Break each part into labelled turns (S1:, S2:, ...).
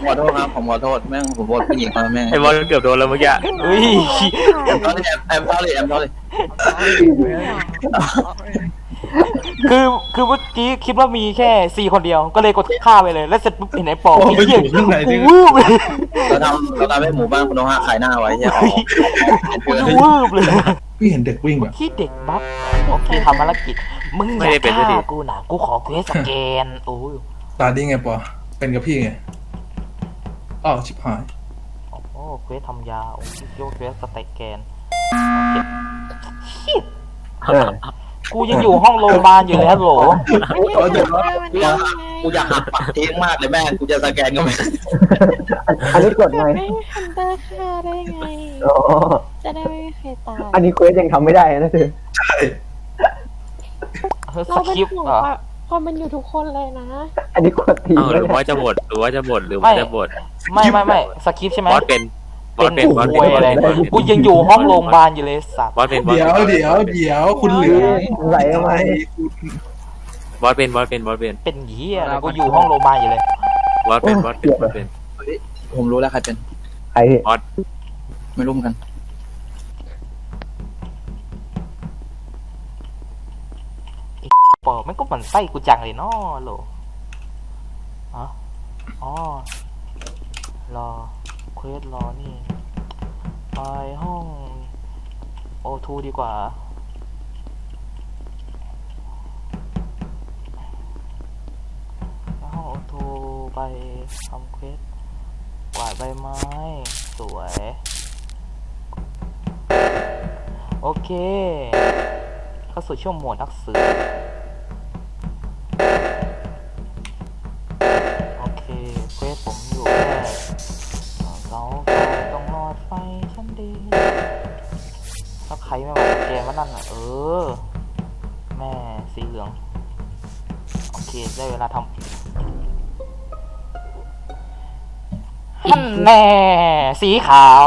S1: ขอโทษครับผมขอโทษแม่งผมบทผู้หญิงมาแม่ง
S2: ไอ้บอลเกือบโดนแล้วเมื่อกี้
S3: เฮ้ย
S1: แอมเท่าเลยแอมเท่าเลย
S3: คือเมื่อกี้คิดว่ามีแค่4 คนเดียวก็เลยกดฆ่าไปเลยแล้วเสร็จปุ๊บเห็นไอ้ปอ
S4: ไปอยู่ข้างใน
S3: กู
S4: นี่
S3: วืบเลย
S1: เราทำให้หมู่บ้านคุณโนฮะขายหน้าไว้ใช่ไหม
S3: กูวืบเลย
S4: พี่เห็นเด็กวิ่งแบบ
S3: ที่เด็กบัฟโอเคทำภารกิจมึงอย่าฆ่ากูนะกูขอเควสสแกนโอ้ย
S4: ตาดีไงปอเป็นกับพี่ไงอ้าวชิบหาย
S3: โอ้โหเควสทำยาโอ้ยโยกเควสสแกนโอเคกูยังอยู่ห้องโรงพยาบาลอยู่เลยฮัลโหล
S1: กูอยากหักปากทิ้งมากเลยแม่กูจะสแกนก็ไม่
S5: อันนี้กดไง
S6: ไม่ฮันเตอร์ฆ่าได้ไง
S5: อ๋อ
S6: จะได้ไม่มีใครตาย
S5: อันนี้เควสยังทำไม่ได้นะเธอ
S4: ใช่
S3: เฮ้ยส
S6: เราเป็น
S3: คริปต์
S6: ห่วง
S3: เหรอ
S6: ความเป็นอยู่ทุกคนเลยนะ
S5: อันนี้กดที
S2: หรือว่าจะบดหรือว่าจะบดหรือว่าจะบด
S3: ไม่สคริปต์ใช่ไหม
S2: บอสเป็นบอสเป็นบอส
S3: กู
S2: เป็นบอส
S3: อะไร
S2: เป็น
S3: กูยังอยู่ห้องโรงพยาบาลอยู่เลยสัตว์
S2: บอสเป็น
S4: เดี๋ยวคุณเหลือ
S5: ไหลทำไม
S2: บอสเป็นบอสเป็นบอสเป็น
S3: เป็นเหี้ยอะไรกูอยู่ห้องโรงพยาบาลอยู่เลย
S2: บอสเป็นบอสเป็นบอสเป็น
S1: ผมรู้แล้วใครเป็น
S5: ใครพี่
S2: บอส
S1: ไม่รู้เหมือนกัน
S3: ปอมันก็หมั่นไส้กูจังเลยเนาะโหลอ๋อรอเควสรอนี่ไปห้องโอทูดีกว่าห้องโอทูไปทำเควสกวาดใบไม้สวยโอเคเข้าสู่ช่วงโหมดนักสืบโอเคเควสผมอยู่แค่เสาไฟตรงหลอดไฟชั้นดีถ้าใครไม่มาแกมานั่นน่ะแม่สีเหลืองโอเคได้เวลาทำแน่สีขาว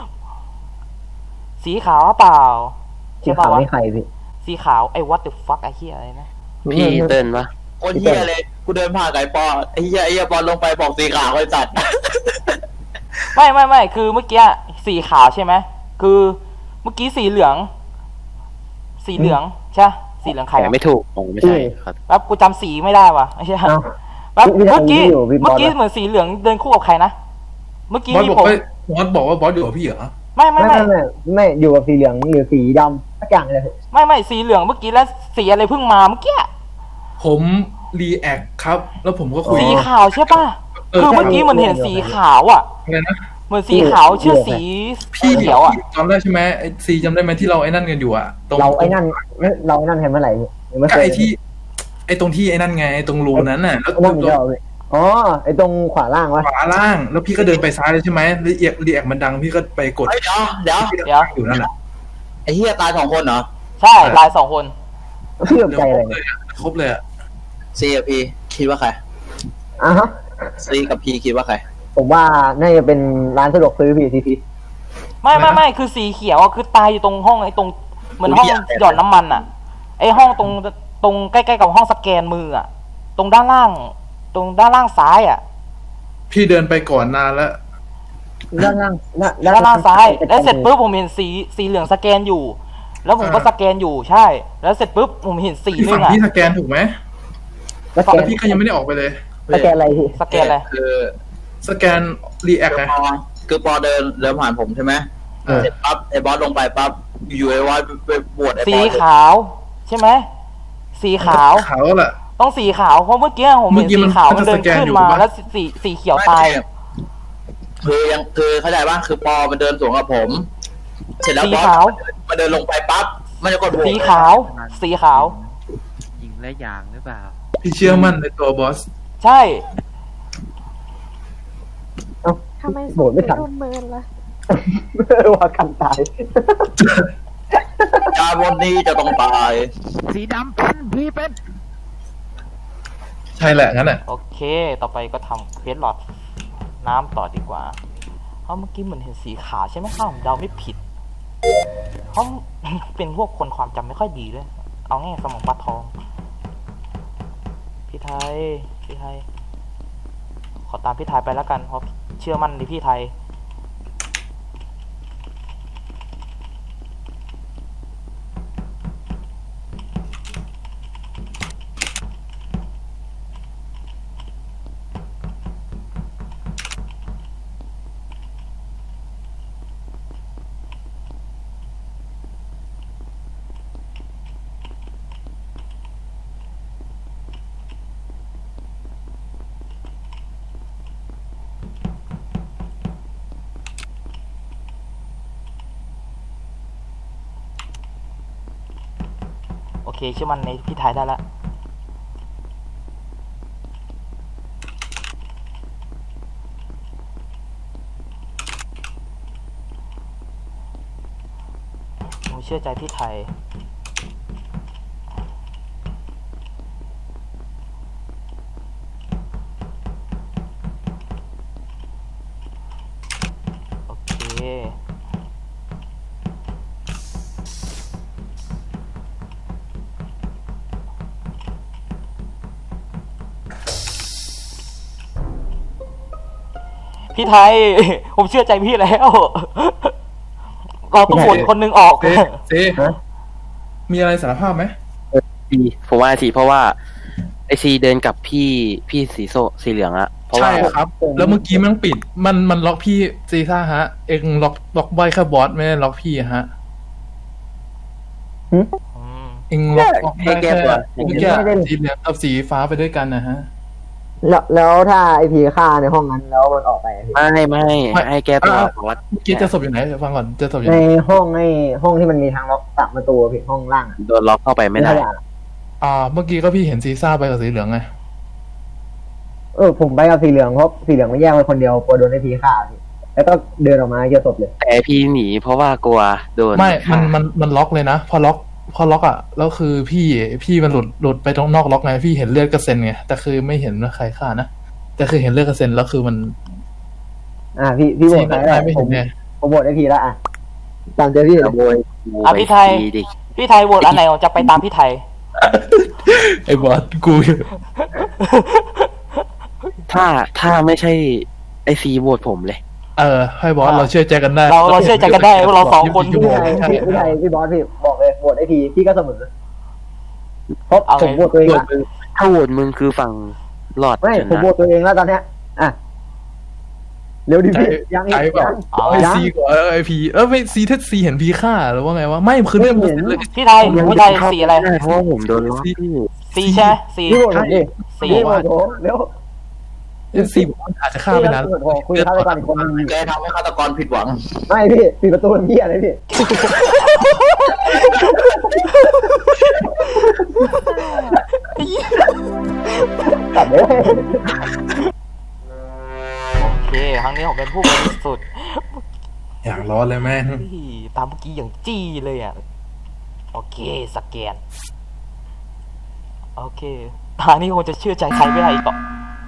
S3: เปล่า
S5: สีขาวไม่ใครพี่
S3: สีขาวไอ้ what the fuck ไอ้เหี้ยอะไรนะ
S2: พี่เติ้ลปะ
S1: คนเฮียเลยกูเดินผ่านไก่ปอไอ้เฮียบอลลงไปบอกสีขาวไอ้สัตว์
S3: ไม่คือเมื่อกี้สีขาวใช่ไหมคือเมื่อกี้สีเหลืองใช่สีเหลืองใคร
S2: แต่ไม่ถูกผมไม่ใช่ครับ
S3: แล้วกูจำสีไม่ได้ว่ะไม่ใช่แล้วเมื่อกี้เหมือนสีเหลืองเดินคู่กับใครนะเมื่อกี้
S4: บอสบอก
S3: ผม
S4: ว่าบอสบอกว่าบอสอยู่กับพี่เหรอ
S5: ไม่อยู่กับสีเหลืองหรือสีดำสักอย่างเลย
S3: ไม่สีเหลืองเมื่อกี้แล้วสีอะไรเพิ่งมาเมื่อกี้
S4: ผมรีแอคครับ แล้วผมก็คุย
S3: สีขาวใช่ป่ะคือเมื่อกี้มันเห็นสีขาวอ่ะ
S4: อะไรนะ
S3: เหมือนสีขาวเชื่อสีเขียวอ่ะ
S4: จำได้ใช่ไหมไอ้ซีจำได้ไหมที่เราไอ้นั่นกันอยู่อะตรง
S5: เราไอ้นั่นเห็นเมื่อไหร่ยังไม่เค
S4: ก็
S5: ย
S4: ไอ้ตรงที่ไอ้นั่นไงไอ้ตรงรูนั้นน่ะแล้ว
S5: นั่นเดียวอ๋อไอ้ตรงขวาล่างวะ
S4: ขวาล่างแล้วพี่ก็เดินไปซ้ายเลยใช่ไหมรีแอคมันดังพี่ก็ไปกด
S1: เดี๋ยว
S4: อยู่นั่นแหละ
S1: ไอ้เฮียตาย2 คนเหรอ
S3: ใช่ลาย2 คน
S5: พี่ตกใจอะไรเนี่ย
S4: ครบเลยอะ
S1: ซีกับพีคิดว่าใคร
S5: อ่ะฮะ
S1: ซีกับพีคิดว่าใคร
S5: ผมว่าน่าจะเป็นร้านสะดวกซื้อพี่ที
S3: ไม่คือสีเขียวอ่ะคือตายอยู่ตรงห้องไอ้ตรงเหมือนห้องหย่อนน้ำมันอ่ะไอ้ห้องตรงใกล้ๆกับห้องสแกนมืออ่ะตรงด้านล่างซ้ายอ่ะ
S4: พี่เดินไปก่อนนานแล้ว
S5: ด้านล่าง
S3: ด้านล่างซ้ายแล้วเสร็จปุ๊บผมเห็นสีเหลืองสแกนอยู่ แล้วผมก็สแกนอยู่ใช่ แล้วเสร็จปุ๊บผมเห็นสี
S4: พี่
S3: นึ
S4: ฝั่
S3: ง
S4: ง
S3: อ่ะ
S4: พี่สแกนถูกไหม
S5: แล้ว
S4: แล้วพี่ก็ยังไม่ได้ออกไปเลย
S5: สแกนอะไรพี่
S3: สแกนอะไร
S1: คือ
S4: สแกนรีแอคไง
S1: คือปอเดินผ่านผมใช่ไหมเสร็จปั๊บไอ้บอสลงไปปั๊บอยู่ไอ้วอสไปบวชไอ้บอส
S3: สีขาวใช่ไหมสีขาว
S4: ขาวแหละ
S3: ต้องสีขาวเพราะเมื่อกี้ผมเห็นสีขาวมันเดินขึ้นมาแล้วสีเขียวตาย
S1: คือเข้าใจป่ะคือปอมันเดินสวนกับผม เสร็จแล้ว
S3: สี
S1: บอส
S3: ขาว
S1: มันเดินลงไปปั๊บมันจะกดโหวต
S3: สีขาว
S2: ยิงและยางหรือเปล่า
S4: พี่เชื่อมั่นในตัวบอส
S3: ใช่
S6: ทำไม
S5: โหวตไม่ทัน
S6: โดนเมินล่ะ
S5: ว่ากันตาย
S1: จาวันนี้จะต้องตาย
S2: สีดำเป็นพี่เป็น
S4: ใช่แหละงั้นแหละ
S3: โอเคต่อไปก็ทำเควสหลอดน้ำต่อดีกว่าเพราะเมื่อกี้เหมือนเห็นสีขาวใช่ไหมข้าวผมเดาไม่ผิดเพราะ เป็นพวกคนความจำไม่ค่อยดีเลยเอาง่ายสมองปลาทองพี่ไทยขออตามพี่ไทยไปแล้วกันเพราะเชื่อมั่นในพี่ไทย โอเคเชื่อมั่นในพี่ไทยได้แล้วผมเชื่อใจพี่ไทย โอเค พี่ไทย ผมเชื่อใจพี่แล้ว เราต้องโหวตคนหนึงออก
S4: เซมีอะไรสารภาพไหม
S2: สีผมว่าสีเพราะว่าไอซีเดินกับพี่สีเหลืองอะเพราะว่า
S4: ใช่ครับ แล้วเมื่อกี้มันปิด มันล็อกพี่ซีซ่าฮะ เองล็อกใบแค่บอสไม่ได้ล็อกพี่ฮะ
S3: อืม
S4: เองล็อกได้แค่เมื่อกี้สีเหลืองกับสีฟ้าไปด้วยกันนะฮะ
S5: แล้วถ้าไอพีฆ่าในห้องนั้นแล้วมันออกไปอะพี่
S2: ไม่ให้แก้ตัวเพราะว่า
S4: เมื่อกี้จะศพอยู่ไหนเดี๋ยวฟังก่อนจะศพอยู่
S5: ใน
S4: ไหน
S5: ห้องที่มันมีทางล็อกสามประตูอะพี่ห้องล่างอะ
S2: โดนล็อกเข้าไปไม่ได้
S4: เมื่อกี้ก็พี่เห็นซีซ่าไปกับสีเหลืองไง
S5: ผมไปกับสีเหลืองเพราะสีเหลืองไม่แยกไปคนเดียวกลัวโดนไอพีฆ่าพี่แล้วก็เดินออกมาเจอศพเลย
S2: แต่พี่หนีเพราะว่ากลัวโดน
S4: ไม่ มันล็อกเลยนะ พอล็อกอ่ะ แล้วคือพี่มันหลุดไปตรงนอกล็อกไง พี่เห็นเลือดกระเซ็นไง แต่คือไม่เห็นว่าใครฆ่านะ แต่คือเห็นเลือดกระเซ็นแล้วคือมัน
S5: พี่โหวต
S4: ซี
S5: ไป
S4: น
S5: แล้ว
S4: ไม่
S5: ผ
S4: เห็
S5: ม
S4: นไง
S5: ผมโหวตไอพีแล้วอ่ะตามเจอพี่เลย
S2: ขโมย
S3: อ่ะพี่ไทย
S2: ดิ
S3: พี่ไทยโหวตอันไหนผมจะไปตามพี่ไทย
S4: ไอ้บอสกู
S2: ถ้าไม่ใช่ไอซีโหวตผมเลย
S4: ให้บอสเราเชื่อใจกันได้
S3: เราเชื่อใจกันได้ว่าเราสองคน
S4: ชั่วโมงใช่
S5: พี่บอสพี่บอกเลยโหวตไอพีพี่ก็เสมอเพราะผมโหวตตัวเอง
S2: โหว
S5: ละ
S2: ตมึงถ้าโหวตมึงคือฝั่งหลอด
S5: ไม่
S2: ช
S5: ผม
S2: นะ
S5: โหวตตัวเองแล้วตอนเนี้ยอ่ะเร็วดิพี่ยัง
S4: ใจเปล่า ไอซีกว่าไอพีไม่ซีถ้าซีเห็นพีฆ่าหรือว่าไงวะไม่คือเรื่องมันเลย
S3: พี่ไทยสีอะไร
S2: เพราะว่าผมโดนล็อกพี่
S3: สีใช่ไหมสี
S5: พี่โหวตผมดิ
S3: สี
S5: พี่โหวตผมเร็ว
S4: ซีบอกว่าอาจจะฆ่าไปนาน
S5: พี่โหวตผมคุยฆาตกรอีกคนนึง
S1: แกทำให้ฆาตกรผิดหวัง
S5: ไม่พี่ปิดประตูเป็นพี่อะไรพี่ตัดเลย
S3: โอเคครั้งนี้ผมเป็นผู้บริสุทธิ์
S4: อยากร้อนเลยแม่ง
S3: เฮ้ยตามเมื่อกี้อย่างจี้เลยอ่ะ โอเคสแกน โอเคทางนี้คงจะเชื่อใจใครไม่ได้อีกต่อ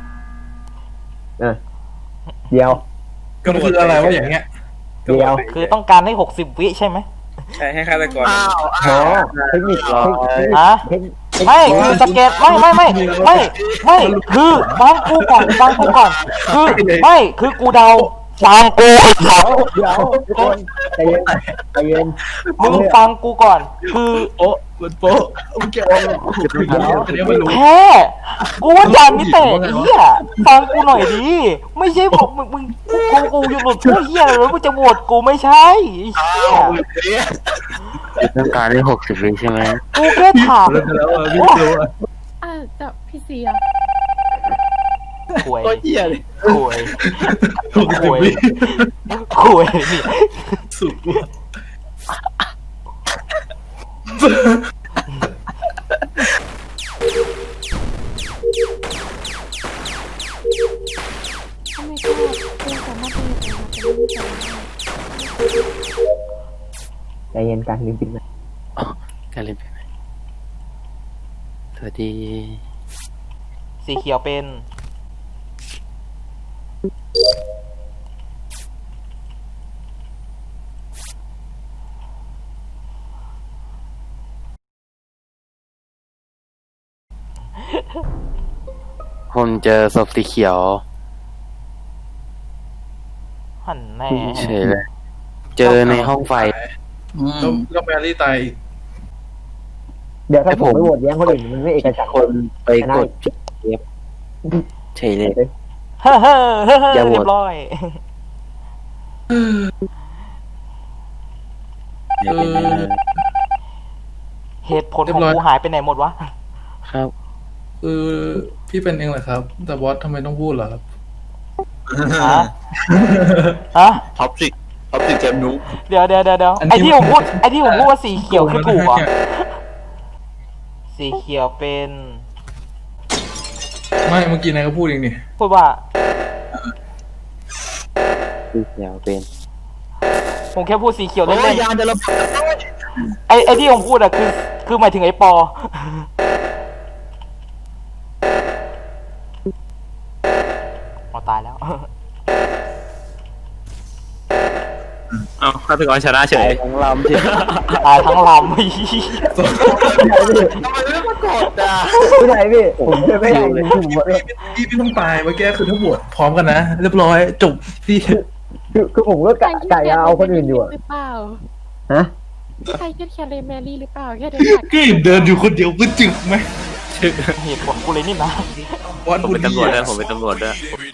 S5: เดี๋ยว
S4: ก็คืออะไรวะอย่างเงี้ย
S5: เดี๋ยว
S3: คือต้องการให้60 วิใช่ไหม
S7: ใช่ให้ฆาตกร
S1: อ้าว
S5: โหเทคนิค
S3: ฮะ ไม่คือสแกนไม่คือฟังกูก่อนคือไม่คือกูเดาฟังกูไอ้เขา
S5: เดี๋ยวทุกคนใจเย็นใจเย็น
S3: มึงฟังกูก่อน คือ
S4: โป๊ะมันโป๊ะมันแกอันนี้ไม่รู้
S3: แพ้กูว่าจานนี่แต่ไอ้เหี้ยฟังกูหน่อยดิไม่ใช่บอกมึงกูอยู่หลุดพูดเหี้ยแล้วมึงจะโหวตกูไม่ใช่ไอ้เหี้ย
S2: ต้องการได้60 วิใช่ไหม
S3: กูแค่ถาม
S4: แล้วพี่รู้
S6: แต่พี่เสีย
S3: คุย
S1: โคตรเหี้ยเลย
S3: คุย
S4: ถูก
S3: คุย
S4: วิ
S3: คุยนี่
S4: สุดว่ะ
S6: ทำไมก็เป็นสามารถเป็นอย่างนั้นเป็นไม่ใช่
S5: ใจเย็นกันลืมปิดนะ
S2: การเล่นไปไหมสวัสดี
S3: สีเขียวเป็น
S2: ผมเจอศพสีเขียว
S3: หันแน่
S2: เฉยเลย เจอในห้องไฟ
S1: อืม
S4: แล้วแมรี่ตายอีก
S5: เดี๋ยวถ้า
S2: ไอ้
S5: ผ
S2: ผม ม
S5: ไปโหวตแย้งคนอื่นมันไม่เอกฉันท์
S2: คนไปกดพี่เอฟเฉยเลย
S3: เฮ้อเฮ้อเฮ้อ
S2: อย่าโหวต
S3: เรียบร้อย เหตุผลของกูหายไปไหนหมดวะ
S2: ครับ
S4: คือพี่เป็นเองเหรอครับ แต่บอสทำไมต้องพูดเหรอครับ
S3: ฮะ ฮะ
S1: ท็อปสิกเกมนุ๊ก
S3: เดี๋ยว
S4: อันนี้
S3: ไอ้ที่ผมพูดว่าสีเขียวคือถูกเหรอสีเขียวเป็น
S4: ไม่เมื่อกี้นายก็พูดเองนี่
S3: พูดว่า
S2: พี่เขียวเป็น
S3: ผมแค่พูดสีเขียว
S1: โอ้
S3: เล่
S1: ย
S3: น
S1: ยานจะระเบิด
S3: ๆไอ้ที่ผมพูดอะคือหมายถึงไอ้ปอ อ๋อตายแล้ว
S7: เอาฆาตกรชนะเฉย
S2: ทั้งลำเฉย
S3: ตายทั้งลำ
S1: ทำไมไม่มากดอ่ะ
S5: ไม่ได้พี่ผมช่วยไม่ได้จริงๆผมว่า
S4: พี่ต้องตายเมื่อกี้คือถ้าบวชพร้อมกันนะเรียบร้อยจบพี่
S5: คือผมก็กะจะเอาคนอื่นอยู่อะ
S6: หรือเปล่า
S5: ฮะ
S6: ใครแค่แคร์แมรี่หรือเปล่าแค่เดินผ่าน
S4: ก็เห็นเดินอยู่คนเดียวก็จึกไหม
S3: เหตุผลกูเลยนี่นะ
S4: บอส
S7: ผม
S4: บุ
S7: เป็น
S4: ดี
S7: ตำรวจด้วย
S4: อะ
S7: ผมเป็นตำรวจด้วย